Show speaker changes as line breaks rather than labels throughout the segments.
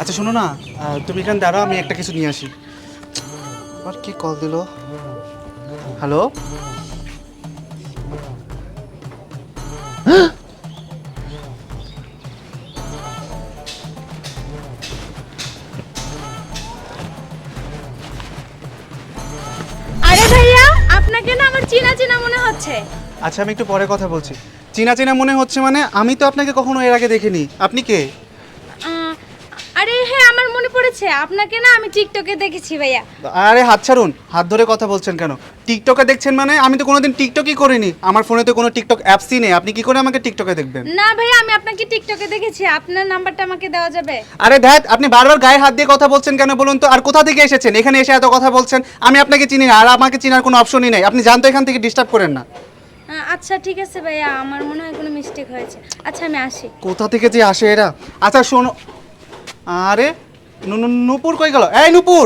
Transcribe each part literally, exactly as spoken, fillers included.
আচ্ছা শোনো না, আহ, তুমি এখানে দাঁড়াও, আমি একটা কিছু নিয়ে আসি। আবার কি কল দিল? হ্যালো,
আরে ভাইয়া, আপনাকে না আমার চেনা চেনা মনে হচ্ছে।
আচ্ছা আমি একটু পরে কথা বলছি। চেনা চেনা মনে হচ্ছে মানে? আমি তো আপনাকে কখনো এর আগে দেখিনি। আপনি কে?
আহ, আরে হ্যাঁ, আমার মনে পড়েছে, আপনাকে না আমি টিকটকে দেখেছি ভাইয়া।
আরে হাত ছাড়ুন, হাত ধরে কথা বলছেন কেন? টিকটকে দেখছেন মানে? আমি তো কোনোদিন টিকটকই করিনি, আমার ফোনে তো কোনো টিকটক অ্যাপসই নেই। আপনি কি করে আমাকে টিকটকে দেখবেন?
না ভাইয়া, আমি আপনাকে টিকটকে দেখেছি। আপনার নাম্বারটা আমাকে দেওয়া যাবে?
আরে ধ্যাত, আপনি বারবার গায়ে হাত দিয়ে কথা বলছেন কেন বলুন তো? আর কোথা থেকে এসেছেন? এখানে এসে এত কথা বলছেন, আমি আপনাকে চিনি না, আর আমাকে চিনার কোনো অপশনই নেই। আপনি জানতো, এখান থেকে ডিস্টার্ব করেন না।
আহ, আচ্ছা ঠিক আছে ভাইয়া, আমার মনে হয় কোনো মিস্টেক হয়েছে। আচ্ছা আমি আসি।
কোথা থেকে যে আসে এরা? আচ্ছা শোনো, আরে নু- নু- নূপুর কই গেল? এই নূপুর,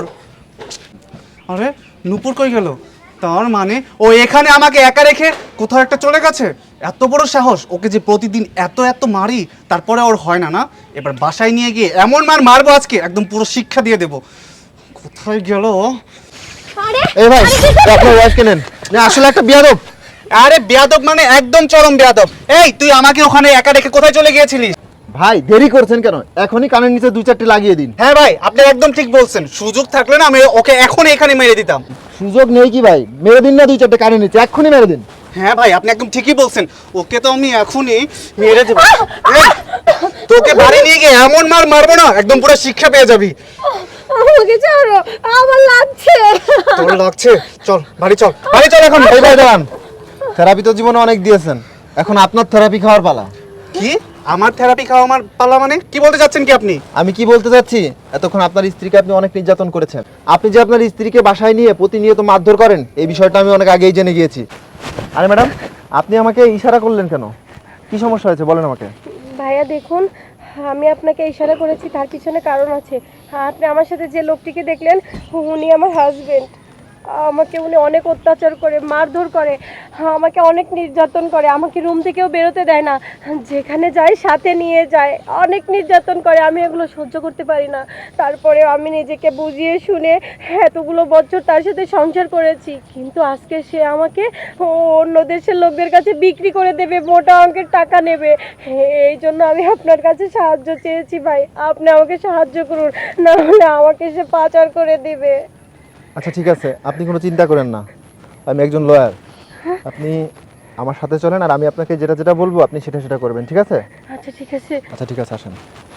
আরে নূপুর কই গেল? তার মানে ও এখানে আমাকে একা রেখে কোথাও একটা চলে গেছে? এত বড় সাহস! ওকে যে প্রতিদিন এত এত মারি, তারপরে ওর হয় না না? এবার বাসায় নিয়ে গিয়ে এমন মার মারবো আজকে, একদম পুরো শিক্ষা দিয়ে দেবো। কোথায় গেল ও?
আরে
এই ভাই, আপনার ওয়াইফকে নেন। না আসলে একটা বিয়াদব।
আরে বেয়াদব মানে একদম চরম বেয়াদব। এই তুই আমাকে ওখানে একা রেখে কোথায় চলে গিয়েছিলিস?
ভাই দেরি করছেন কেন? এখনই কানের নিচে দুই চারটে লাগিয়ে দিন।
হ্যাঁ ভাই, আপনি একদম ঠিক বলছেন। সুযোগ থাকলে না আমি ওকে এখন এখানে মেরে দিতাম।
সুযোগ নেই কি ভাই? মেরে দিন না দুই চারটে কানের নিচে, এক্ষুনি মেরে দিন।
হ্যাঁ ভাই, আপনি একদম ঠিকই বলছেন। ওকে তো আমি এখনই মেরে দেবো। এই, তোকে বাড়ি নিয়ে গিয়ে এমন মার মারবো না, একদম পুরো শিক্ষা পেয়ে যাবি।
আমাকে ছাড়ো, আমার লাগছে।
তোর লাগছে? চল বাড়ি চল, বাড়ি চল এখন।
এই ভাই দাঁড়ান, থেরাপি তো জীবনে অনেক দিয়েছেন, এখন আপনার থেরাপি খাওয়ার পালা।
কি? আমার থেরাপি খাওয়া আমার পালা মানে? কি বলতে চাচ্ছেন কি আপনি?
আমি কি বলতে চাচ্ছি, এতক্ষণ আপনার স্ত্রীকে আপনি অনেক নির্যাতন করেছেন। আপনি যে আপনার স্ত্রীকে বাসায় নিয়ে প্রতিনিয়ত মারধর করেন, এই বিষয়টা আমি অনেক আগেই জেনে গিয়েছি। আরে ম্যাডাম, আপনি আমাকে ইশারা করলেন কেন? কি সমস্যা হয়েছে বলেন আমাকে।
ভাইয়া দেখুন, আমি আপনাকে ইশারা করেছি, তার পিছনে কারণ আছে। আপনি আমার সাথে যে লোকটিকে দেখলেন, উনি আমার হাজবেন্ড। আমাকে উনি অনেক অত্যাচার করে, মারধর করে, আমাকে অনেক নির্যাতন করে, আমাকে রুম থেকেও বেরোতে দেয় না, যেখানে যায় সাথে নিয়ে যায়, অনেক নির্যাতন করে। আমি এগুলো সহ্য করতে পারি না। তারপরে আমি নিজেকে বুঝিয়ে শুনে এতগুলো বছর তার সাথে সংসার করেছি, কিন্তু আজকে সে আমাকে অন্য দেশের লোকদের কাছে বিক্রি করে দেবে, মোটা অঙ্কের টাকা নেবে। এই জন্য আমি আপনার কাছে সাহায্য চেয়েছি ভাই, আপনি আমাকে সাহায্য করুন, না হলে আমাকে সে পাচার করে দিবে।
আচ্ছা ঠিক আছে, আপনি কোনো চিন্তা করেন না, আমি একজন লয়ার। আপনি আমার সাথে চলেন, আর আমি আপনাকে যেটা যেটা বলবো আপনি সেটা সেটা করবেন, ঠিক আছে?
আচ্ছা ঠিক আছে।
আচ্ছা ঠিক আছে, আসেন।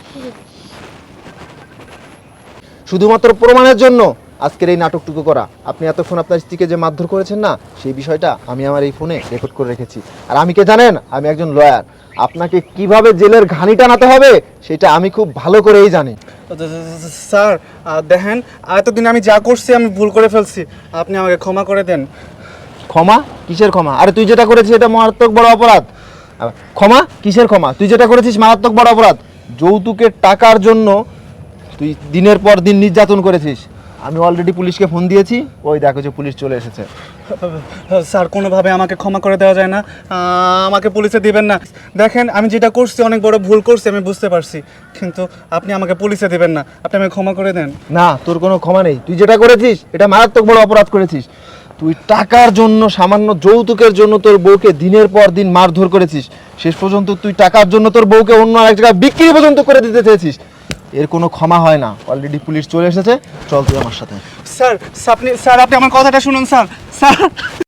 শুধুমাত্র প্রমাণের জন্য আজকের এই নাটকটুকু করা। আপনি এতক্ষণ আপনার স্ত্রীকে যে মারধর করেছেন না, সেই বিষয়টা আমি আমার এই ফোনে রেকর্ড করে রেখেছি। আর আমি কে জানেন? আমি একজন লয়ার। আপনাকে কিভাবে জেলের ঘানি টানাতে হবে সেটা আমি খুব ভালো করেই জানি।
স্যার আহ, দেখেন, এতদিন আমি যা করছি আমি ভুল করে ফেলছি, আপনি আমাকে ক্ষমা করে দেন।
ক্ষমা? কিসের ক্ষমা? আরে তুই যেটা করেছিস এটা মারাত্মক বড় অপরাধ। আবার ক্ষমা? কিসের ক্ষমা? তুই যেটা করেছিস মারাত্মক বড় অপরাধ। যৌতুকের টাকার জন্য তুই দিনের পর দিন নির্যাতন করেছিস। আমি অলরেডি পুলিশকে ফোন দিয়েছি, ওই দেখো যে পুলিশ চলে এসেছে।
স্যার কোনোভাবে আমাকে ক্ষমা করে দেওয়া যায় না? আহ, আমাকে পুলিশে দিবেন না। দেখেন আমি যেটা করছি অনেক বড় ভুল করছি, আমি বুঝতে পারছি, কিন্তু আপনি আমাকে পুলিশে দিবেন না, আপনি আমাকে ক্ষমা করে দেন।
না, তোর কোনো ক্ষমা নেই। তুই যেটা করেছিস এটা মারাত্মক বড় অপরাধ করেছিস। তুই টাকার জন্য, সামান্য যৌতুকের জন্য তোর বউকে দিনের পর দিন মারধর করেছিস। শেষ পর্যন্ত তুই টাকার জন্য তোর বউকে অন্য আরেক জায়গায় বিক্রি পর্যন্ত করে দিতে চেয়েছিস। এর কোনো ক্ষমা হয় না। অলরেডি পুলিশ চলে এসেছে, চল তুই আমার সাথে।
স্যার আপনি স্যার আপনি আমার কথাটা শুনুন স্যার। স্যার